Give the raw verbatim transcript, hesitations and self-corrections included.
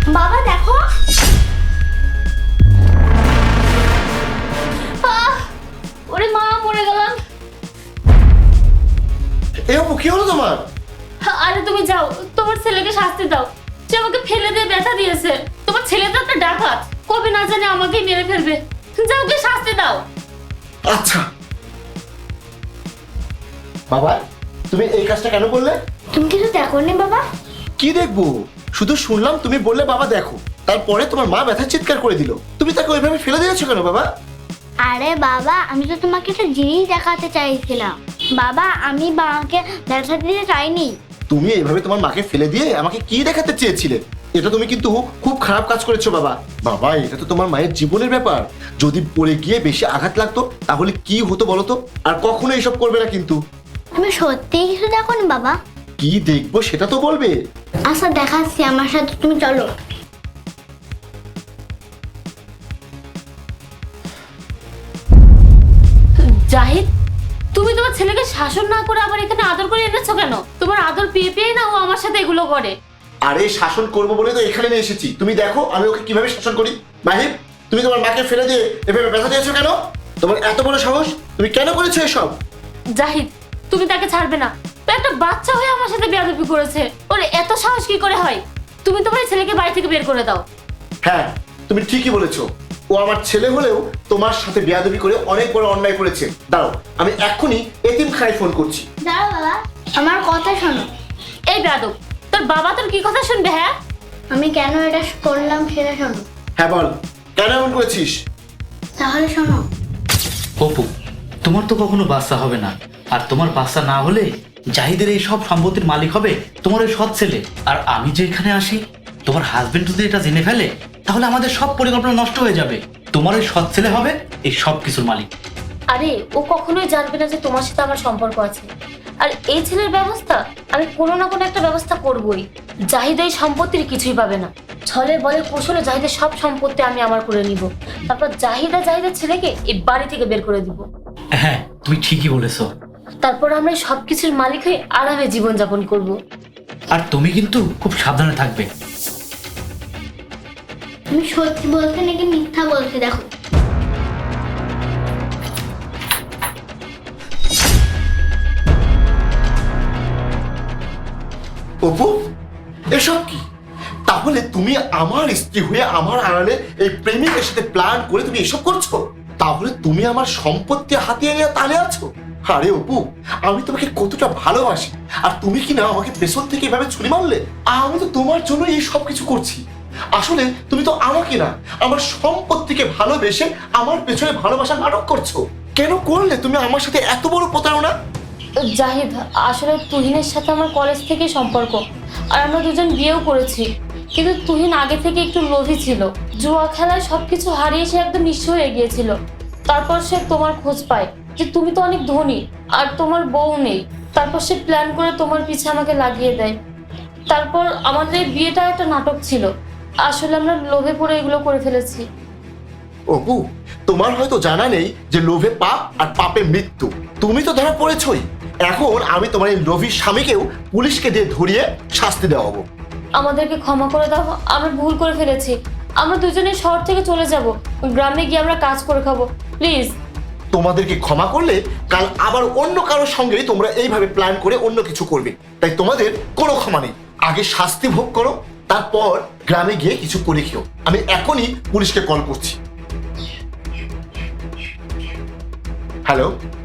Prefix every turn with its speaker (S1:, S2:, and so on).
S1: বাবা দেখো, ওরে মা মরে গেলাম।
S2: এ অপু কি হলো তোমার?
S1: আরে তুমি যাও, তোমার ছেলেকে শাস্তি দাও। সে আমাকে ফেলে দিয়ে ব্যথা দিয়েছে। তোমার ছেলে তো একটা ডাকাত, কবে না জানে আমাকে মেরে ফেলবে। যাও, ওকে শাস্তি দাও।
S2: আচ্ছা বাবা, তুমি এই কাজটা কেন করলে?
S1: তুমি কিছু দেখোনি বাবা?
S2: কি দেখবো, শুধু শুনলাম তুমি বললে বাবা দেখো, তারপরে তোমার মা ব্যথা চিৎকার করে দিল, তুমি তাকে ওইভাবে ফেলে দিয়েছো কেন বাবা?
S1: আরে বাবা, আমি তো তোমাকে একটা জিনিস দেখাতে চাইছিলাম। বাবা, আমি বাবাকে ব্যথা দিতে চাইনি।
S2: তুমি এইভাবে তোমার মাকে ফেলে দিয়ে আমাকে কি দেখাতে চেয়েছিলে? এটা তুমি কিন্তু খুব খারাপ কাজ করেছো বাবা। বাবা, এটা তো তোমার মায়ের জীবনের ব্যাপার, যদি পড়ে গিয়ে বেশি আঘাত লাগতো তাহলে কি হতো বলো তো? আর কখনো এইসব করবে না কিন্তু।
S1: তুমি সত্যি কিছু দেখোনি বাবা?
S2: কি দেখবো সেটা তো বলবে।
S1: আচ্ছা দেখাচ্ছি, আমার সাথে তুমি চলো। জাহিদ, তুমি তোমার ছেলেকে শাসন না করে আবার এখানে আদর করে এনেছো কেন? তোমার আদর পেয়ে পেয়ে না ও আমার সাথে এগুলো করে।
S2: আরে শাসন করবো বলে তো এখানে নিয়ে এসেছি, তুমি দেখো আমি ওকে কিভাবে শাসন করি। মাহিব, তুমি তোমার মাকে ফেলে দিয়ে এভাবে ব্যথা দিয়েছো কেন? তোমার এত বড় সাহস, তুমি কেন করেছো এসব?
S1: জাহিদ, তুমি তাকে ছাড়বে না। ও একটা বাচ্চা হয়ে আমার সাথে বেয়াদবি করেছে। ওর এত সাহস কি করে হয়? তুমি তোমার ছেলেকে বাড়ি থেকে বের করে দাও।
S2: হ্যাঁ, তুমি ঠিকই বলেছো, ও আমার ছেলে হলেও তোমার সাথে বেয়াদবি করে অনেক বড় অন্যায় করেছে। দাঁড়াও, আমি এক্ষুনি এতিমখানায় ফোন করছি।
S1: দাঁড়াও বাবা, আমার কথা শোনো। এই বেয়াদব, তোর বাবা তোর কি কথা শুনবে? হ্যাঁ, আমি কেন এটা করলাম সেটা শোনো।
S2: হ্যাঁ বল, কেন এমন করেছিস?
S1: তাহলে শোনো।
S3: অপু, তোমার তো কখনো বাচ্চা হবে না, আর তোমার বাচ্চা না হলে জাহিদের এই সব সম্পত্তির মালিক হবে তোমার ওই সৎ ছেলে। আর আমি যে এখানে আসি, তোমার হাজবেন্ড যদি এটা জেনে ফেলে তাহলে আমাদের সব পরিকল্পনা নষ্ট হয়ে যাবে। তোমার ওই সৎ ছেলে হবে এই সব কিছুর মালিক।
S1: আরে ও কখনোই জানবে না যে তোমার সাথে আমার সম্পর্ক আছে। আর এই ছেলের ব্যবস্থা আমি কোনো না কোনো একটা ব্যবস্থা করবই। জাহিদ এই সম্পত্তির কিছুই পাবে না। ছলে বলে কৌশলে জাহিদের সব সম্পত্তি আমি আমার করে নিব। তারপর জাহিদা জাহিদের ছেলেকে এই বাড়ি থেকে বের করে দিব।
S3: হ্যাঁ, তুমি ঠিকই বলেছো।
S1: তারপর আমরা এই সব কিছুর মালিক হয়ে আরামে জীবনযাপন করব।
S3: আর তুমি কিন্তু খুব সাবধানে থাকবে।
S1: তুমি সত্যি বলতে নাকি মিথ্যা বলতে দেখো।
S2: অপু, এসব কি? তাহলে তুমি আমার স্ত্রী হয়ে আমার আড়ালে এই প্রেমিকের সাথে প্ল্যান করে তুমি এসব করছো? তাহলে তুমি আমার সম্পত্তি হাতিয়ে নিয়ে তালে আছো? আরে অপু, আমি তোমাকে কতটা ভালোবাসি, আর তুমি কি না আমাকে পেছন থেকে এভাবে ছুরি মারলে? আমি তো তোমার জন্য এই সব কিছু করছি। আসলে তুমি তো আমাকে না, আমার সম্পত্তিকে ভালোবেসে আমার পেছনে ভালোবাসার নাটক করছো। কেন করলে তুমি আমার সাথে এত বড় প্রতারণা?
S1: জাহিদ, আসলে তুহিনের সাথে আমার কলেজ থেকে সম্পর্ক, আর আমরা দুজন বিয়েও করেছি। কিন্তু তুহিন আগে থেকে একটু লোভী ছিল। জুয়া খেলায় সবকিছু হারিয়ে সে একদম নিঃস্ব হয়ে গিয়েছিল। তারপর সে তোমার খোঁজ পায় যে তুমি তো অনেক ধনী আর তোমার বউ নেই। তারপর সে প্ল্যান করে তোমার পিছে আমাকে লাগিয়ে দেয়। তারপর আমাদের এই বিয়েটা একটা নাটক ছিল। আসলে আমরা লোভে পড়ে এগুলো করে ফেলেছি।
S2: অপু, তোমার হয়তো জানা নেই যে লোভে পাপ আর পাপে মৃত্যু। তুমি তো ধরা পড়েছই। এখন আমি তোমার এই লোভী স্বামীকেও পুলিশকে দিয়ে ধরিয়ে শাস্তি দেওয়াবো।
S1: আমাদেরকে ক্ষমা করে দাও, আমরা ভুল করে ফেলেছি। আমরা দুজনে শহর থেকে চলে যাব, গ্রামে গিয়ে আমরা কাজ করে খাবো, প্লিজ।
S2: তোমাদেরকে ক্ষমা করলে কাল আবার অন্য কারোর সঙ্গে তোমরা এইভাবে প্ল্যান করে অন্য কিছু করবে, তাই তোমাদের কোনো ক্ষমা নেই। আগে শাস্তি ভোগ করো, তারপর গ্রামে গিয়ে কিছু করে খেও। আমি এখনই পুলিশকে কল করছি। হ্যালো।